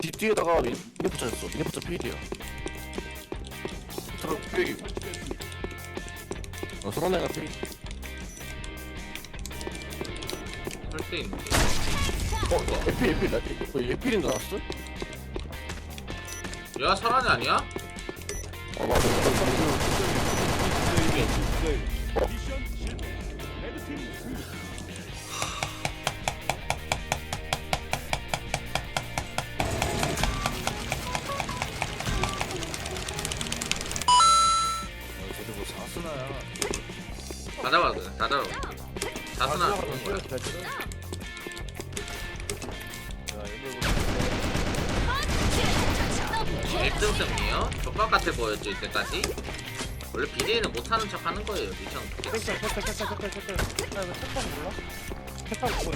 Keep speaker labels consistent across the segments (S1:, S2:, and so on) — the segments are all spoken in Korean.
S1: 뒤에다가 이게 붙여졌어. 이게 붙여 필이야. 서로 필. 서로 내가 필.
S2: 설대 있는데.
S1: 에필, 에필인 줄 알았어?
S2: 야 설안이 아니야?
S1: 맞아.
S3: 쟤들 뭐 사스나야.
S2: 다 잡았어. 다 잡았어. 다스나 좋은 거야.
S3: 야, 얘들
S2: 1등 승이에요? 족밥 같아 보였죠 이때까지? 원래 비대위는 못하는 척 하는 거예요 미션.
S4: 색깔 아 이거 색깔 몰라? 색깔 보고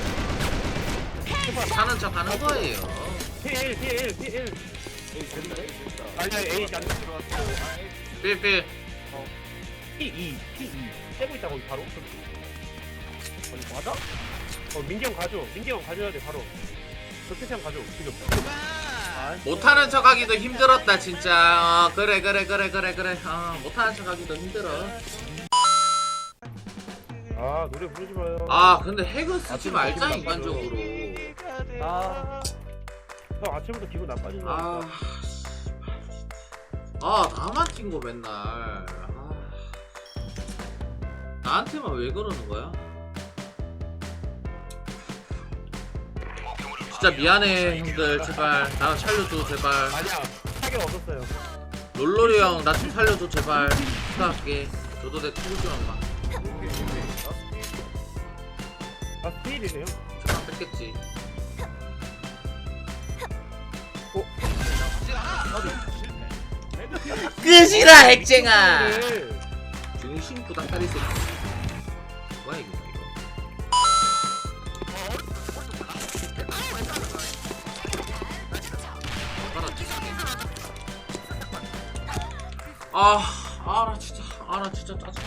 S4: 있어.
S2: 못하는 척 하는 거예요.
S4: P1 아니야 A 안 들어왔어.
S2: 필필.
S4: P2 떼고 있다 거기 바로. 아니 맞아? 민기 형 가져. 민기 형 가져야 돼 바로. 저태시 형 가져 지금.
S2: 못하는 척 하기도 힘들었다 진짜. 그래 못하는 척 하기도 힘들어.
S4: 아 노래 부르지 마요.
S2: 아 근데 핵은 쓰지 말자 인간적으로.
S4: 형 아침부터 기분 나빠지는
S2: 아,
S4: 거야.
S2: 나만 찐거 맨날. 나한테만 왜 그러는 거야? 진짜 미안해 형들 제발 나 살려줘 제발.
S4: 아니야 타격 얻었어요.
S2: 롤롤이 형 나 좀 살려줘 제발. 부탁할게. 저도 내 친구 좀 한번.
S4: 아 스테일이네요.
S2: 잠깐 뺐겠지. 끝이라 핵쟁아. 중심 부닥다리 새끼. 뭐야 이거 나 진짜 짜증.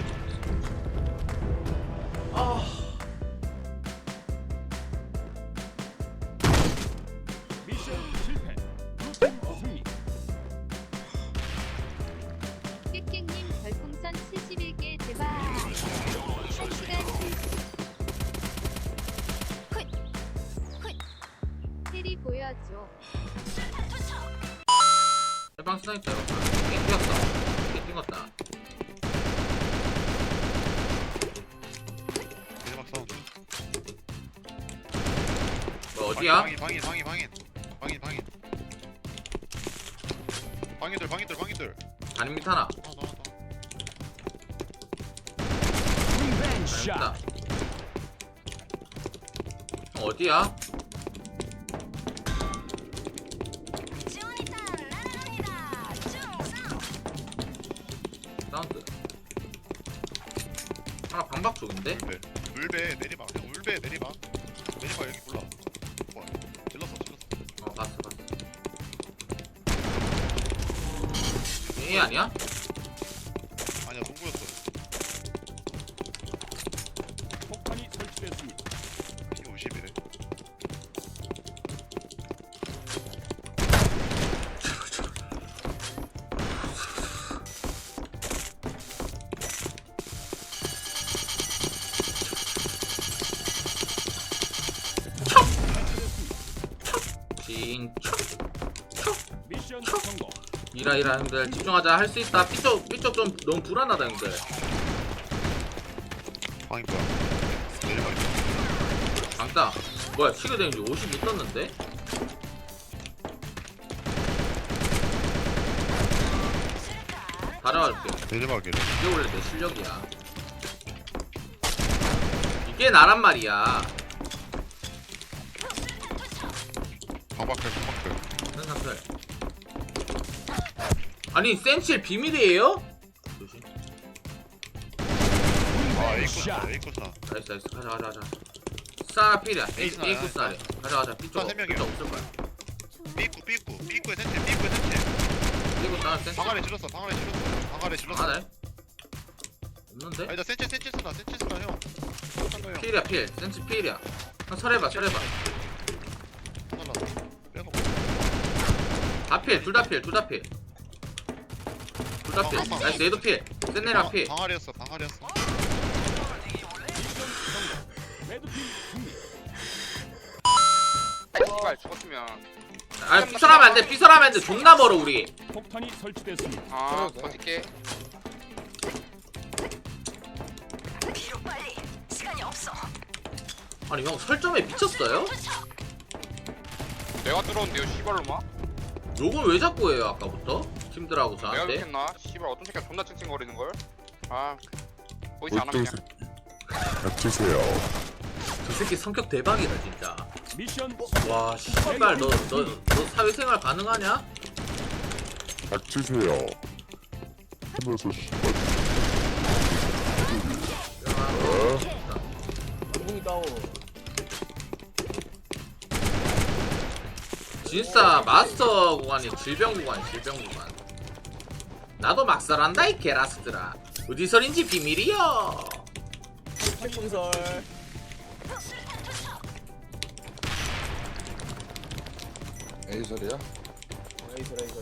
S5: 깨깽님 별풍선 71개 제발. 시간 테리 보여줘.
S2: 해방 스나이퍼. 게임 뛰었어. 게임 뛰었다.
S6: 대박 싸움.
S2: 뭐 어디야?
S6: 방인들.
S2: 단임 밑 하나.
S6: 나왔다.
S2: 있다. 어디야? 사운드. 하나 방박 쪽인데?
S6: 울베 내리막. 형 울베 내리막. 내리막 여기 몰라. 뭐야? 질렀어.
S2: 봤어. 얘 아니야?
S6: 아니야 농구였어.
S3: 폭탄이 설치됐습니다.
S6: 피 50이래.
S3: 미션 성공.
S2: 이라 형들 집중하자. 할 수 있다. 삐쪽 좀 너무 불안하다 형들.
S6: 방이 뭐야? 내리막 있어.
S2: 강따 뭐야 치게 되는지 50못 떴는데? 달아갈게.
S6: 내리막이래.
S2: 이게 원래 내 실력이야. 이게 나란 말이야.
S6: 방박클.
S2: 센사클. 아니 센칠 비밀이에요? 조심.
S6: 에이코스나.
S2: 나이스 가자. 싸 필이야.
S6: 에이스나야.
S2: 에이쿠스 아래. 가자. 삐쪽
S6: 세 명이요.
S2: 없을 거야.
S6: 삐꾸의 센체.
S2: 그리고 나 센치.
S6: 방 안에 질렀어.
S2: 하나 없는데?
S6: 아니다 센체 쓰나 형. 형.
S2: 필이야 필. 센치 필이야. 한 설해봐.
S6: 살랐어. 빼놓고.
S2: 다 필, 둘 다 필, 둘 다 필. 둘 다 필. 나이스, 얘도 필. 센네랑 필.
S6: 방아리였어 방아리였어.
S3: 레드팀 승리.
S7: 씨발 죽었으면
S2: 아, 삐설하면 안 돼, 삐설하면 안 돼. 존나 멀어, 우리.
S3: 폭탄이 설치됐습니다.
S7: 아 버틸게.
S2: 아니, 형, 설정에 미쳤어요?
S7: 내가 들어온대요 씨발로마.
S2: 욕을 왜 자꾸 해요, 아까부터? 팀들하고
S7: 내가
S2: 저한테?
S7: 그랬나? 씨발 어떤 새끼가 존나 찡찡거리는 걸. 아 보이지 않아 그냥.
S8: 닥치세요.
S2: 저 새끼 성격 대박이다, 진짜.
S3: 미션
S2: 와, 씨발, 너 사회생활 가능하냐?
S8: 닥치세요. 하면서 씨발
S2: 진짜 마스터 구간이 질병 구간, 질병 구간. 나도 막살한다, 이 게라스들아. 어디서인지 비밀이여.
S1: 책분설.
S8: 에이설이야?
S1: 에이설.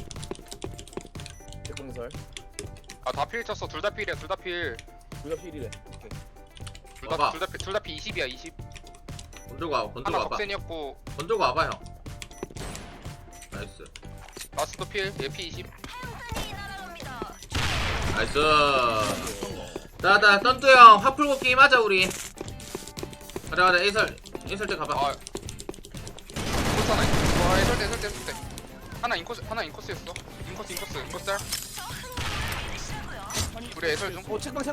S1: 책분설.
S7: 아다 필 쳤어. 둘 다 필이야. 둘 다 필.
S1: 우리가 필이래.
S2: 봐봐.
S7: 둘 다 필 20이야 20.
S2: 건들고 와봐, 건들고
S7: 하나
S2: 와봐.
S7: 덕센이었고
S2: 건들고 와봐, 형. 나이스.
S7: 라스트 필. 얘피 20.
S2: 나이스. 나 썬뚜 형, 화 풀고 게임 하자, 우리. 가자, 에이설 때 가봐.
S7: 아 인코스 하나. 와 해설 때. 하나 인코스였어. 인코스 짤. 우리 해설 좀.
S1: 책방.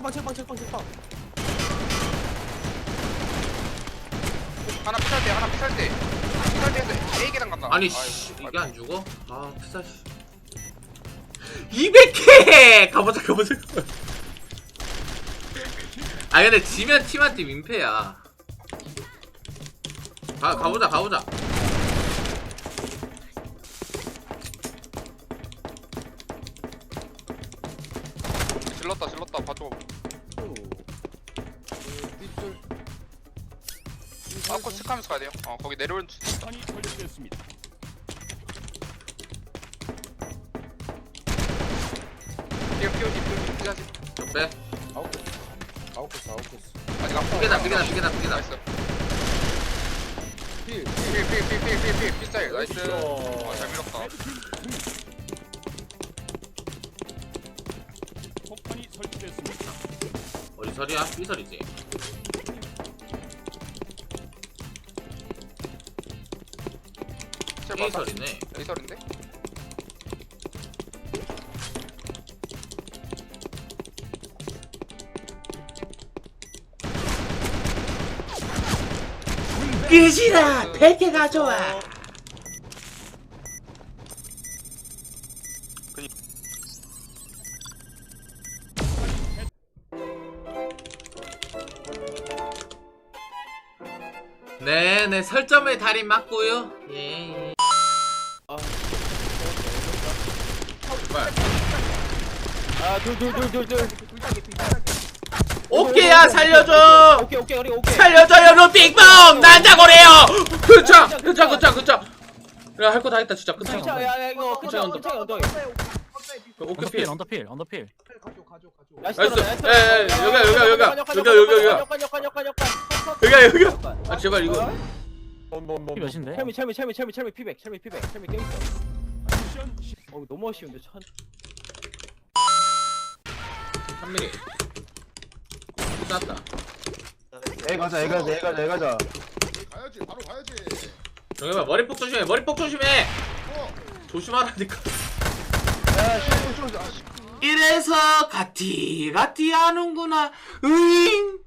S7: 하나 피살 때 해서 A 계단 간다.
S2: 아니,
S7: 아이고,
S2: 씨, 이게 안 죽어? 아, 피사, 씨. 200개! 가보자. 아, 근데 지면 팀한테 민폐야. 가보자.
S7: 질렀다 봐줘. 아코 체크하면서 가야 돼요. 거기 내려오는
S3: 폭탄이 설치됐습니다.
S7: 피하지.
S2: 빼.
S8: 아웃코스.
S7: 아직 안
S2: 피게다.
S7: 나이스. 필 피스타일 나이스. 잘 밀었다.
S3: 레드팀 승리. 폭탄이 설치됐습니다.
S2: 어디 설이야? 삐설이지. 삐설이네.
S7: 에이설인데?
S2: 끝이다. 100개 가져와. 네, 설점의 달인 맞고요. 예.
S1: 둘.
S2: 오케이야, 살려줘.
S1: 오케이.
S2: 살려줘요, 루빅봉. 난자고래요. 그쵸. 야, 할 거 다 했다, 진짜. 그쵸.
S1: 야, 이거
S2: 끝이야,
S1: 언덕.
S2: 오케이, 필.
S3: 언더필.
S2: 나이스. 여기야. 아, 제발 이거.
S3: 몇인데?
S1: 첼미 피백 껴있어.
S3: 미션
S1: 너무 아쉬운데 천.
S2: 3mm. 쐈다.
S1: 애 가자.
S6: 가야지 바로 가야지.
S2: 정해봐, 머리폭 조심해. 조심하라니까. 이래서 가티 하는구나. 으잉.